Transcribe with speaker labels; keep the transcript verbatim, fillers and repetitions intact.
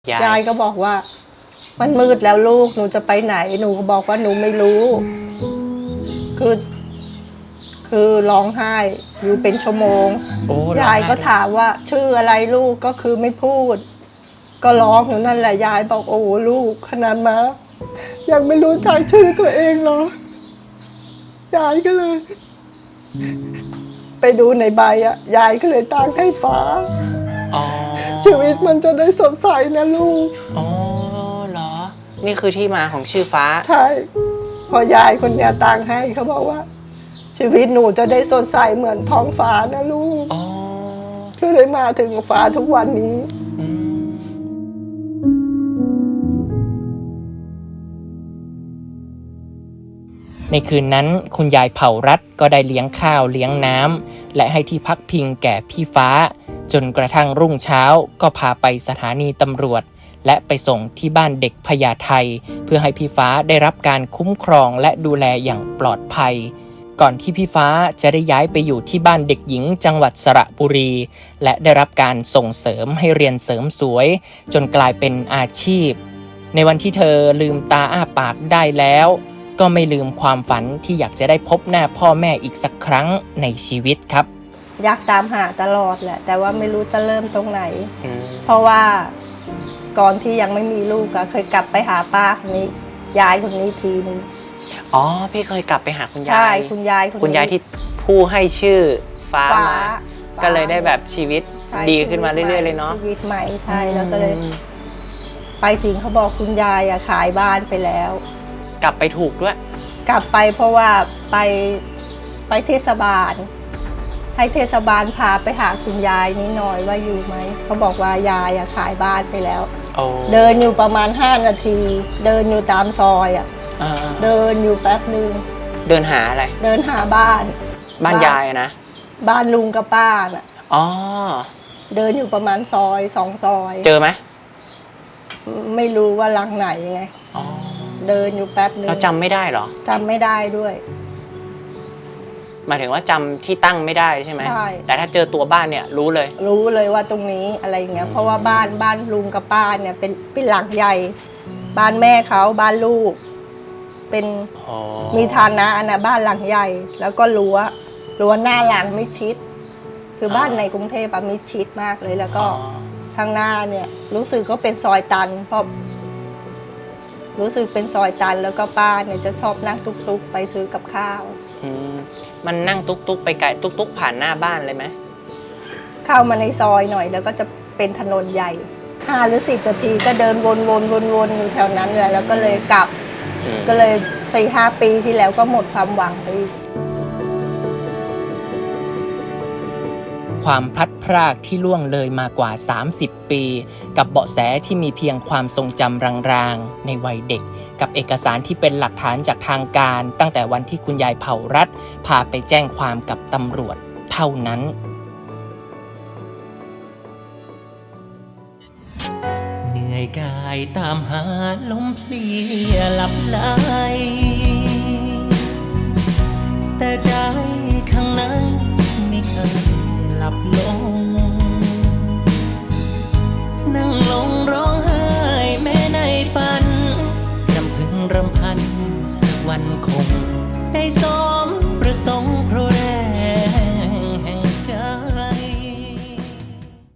Speaker 1: ยายก็บอกว่ามันมืดแล้วลูกหนูจะไปไหนหนูก็บอกว่าหนูไม่รู้คือคือร้องไห้อยู่เป็นชั่วโมงยายก็ถามว่าชื่ออะไรลูกก็คือไม่พูดก็ร้องอยู่นั่นแหละยายบอกโอ้ลูกขนาดมายังไม่รู้จักชื่อตัวเองเหรอยายก็เลยไปดูในใบอ่ะยายก็เลยตั้งให้ฟ้าชีวิตมันจะได้สดใสนะลูก
Speaker 2: อ๋อเหรอนี่คือที่มาของชื่อฟ้า
Speaker 1: ใช่พอยายคนเนี้ยตั้งให้เขาบอกว่าชีวิตหนูจะได้สดใสเหมือนท้องฟ้านะลูกอ๋อก็เลยมาถึงฟ้าทุกวันนี้
Speaker 2: ในคืนนั้นคุณยายเผ่ารัฐก็ได้เลี้ยงข้าวเลี้ยงน้ำและให้ที่พักพิงแก่พี่ฟ้าจนกระทั่งรุ่งเช้าก็พาไปสถานีตำรวจและไปส่งที่บ้านเด็กพญาไทเพื่อให้พี่ฟ้าได้รับการคุ้มครองและดูแลอย่างปลอดภัยก่อนที่พี่ฟ้าจะได้ย้ายไปอยู่ที่บ้านเด็กหญิงจังหวัดสระบุรีและได้รับการส่งเสริมให้เรียนเสริมสวยจนกลายเป็นอาชีพในวันที่เธอลืมตาอ้าปากได้แล้วก็ไม่ลืมความฝันที่อยากจะได้พบหน้าพ่อแม่อีกสักครั้งในชีวิตครับ
Speaker 1: อยากตามหาตลอดแหละแต่ว่าไม่รู้จะเริ่มตรงไหนเพราะว่าก่อนที่ยังไม่มีลูกอะเคยกลับไปหาป้าคนนี้ยายคนนี้ทีนึง
Speaker 2: อ๋อพี่เคยกลับไปหาคุณยาย
Speaker 1: ใช่คุณยาย
Speaker 2: คุณยายที่ผู้ให้ชื่อฟ้ามาก็เลยได้แบบชีวิตดีขึ้นมาเรื่อยๆเลยเนาะ
Speaker 1: ชีวิตใหม่ใช่แล้วก็เลยไปถึงเขาบอกคุณยายอะขายบ้านไปแล้ว
Speaker 2: กลับไปถูกด้วย
Speaker 1: กลับไปเพราะว่าไปไปเทศบาลให้เทศบาลพาไปหาคุณยายนิดหน่อยว่าอยู่ไหมเขาบอกว่ายายอะขายบ้านไปแล้วเดินอยู่ประมาณห้านาทีเดินอยู่ตามซอยอะเดินอยู่แป๊บนึง
Speaker 2: เดินหาอะไร
Speaker 1: เดินหาบ้าน
Speaker 2: บ้านยายนะ
Speaker 1: บ้านลุงกับป้าน่ะ
Speaker 2: อ๋อ
Speaker 1: เดินอยู่ประมาณซอยสองซอย
Speaker 2: เจอไหม
Speaker 1: ไม่รู้ว่าหลังไหนไงอ๋อเดินอยู่แป๊บนึง
Speaker 2: เราจำไม่ได้หรอ
Speaker 1: จำไม่ได้ด้วย
Speaker 2: หมายถึงว่าจำที่ตั้งไม่ได้ใช่ไหมใช่แต่ถ้าเจอตัวบ้านเนี่ยรู้เลย
Speaker 1: รู้เลยว่าตรงนี้อะไรเงี้ยเพราะว่าบ้านบ้านลุงกับป้าเนี่ยเป็นเป็นหลังใหญ่บ้านแม่เขาบ้านลูกเป็นมีฐานะอันน่ะบ้านหลังใหญ่แล้วก็รั้วรั้วหน้าหลังมิดชิดคือบ้านในกรุงเทพอะมิดชิดมากเลยแล้วก็ทางหน้าเนี่ยรู้สึกเขาเป็นซอยตันเพราะรู้สึกเป็นซอยตันแล้วก็ป้าเนี่ยจะชอบนั่งตุ๊กๆไปซื้อกับข้าว
Speaker 2: อืมมันนั่งตุ๊กๆไปไกลตุ๊กๆผ่านหน้าบ้านเลยไหม
Speaker 1: เข้ามาในซอยหน่อยแล้วก็จะเป็นถนนใหญ่ห้าหรือสิบนาทีก็เดินวนๆๆๆอยู่แถวนั้นเลยแล้วก็เลยกลับก็เลยสี่ห้าปีที่แล้วก็หมดความหวังไป
Speaker 2: ความพลัดพรากที่ล่วงเลยมากว่าสามสิบปีกับเบาะแสที่มีเพียงความทรงจำรางๆในวัยเด็กกับเอกสารที่เป็นหลักฐานจากทางการตั้งแต่วันที่คุณยายเผ่ารัฐพาไปแจ้งความกับตำรวจเท่านั้น
Speaker 3: เหนื่อยกายตามหาลมเพลียหลับไหลแต่ใจข้างในไม่เคยหลับลงนั่งลงร้องไห้แม้ในฝันรำพึงรำพันสักวันคง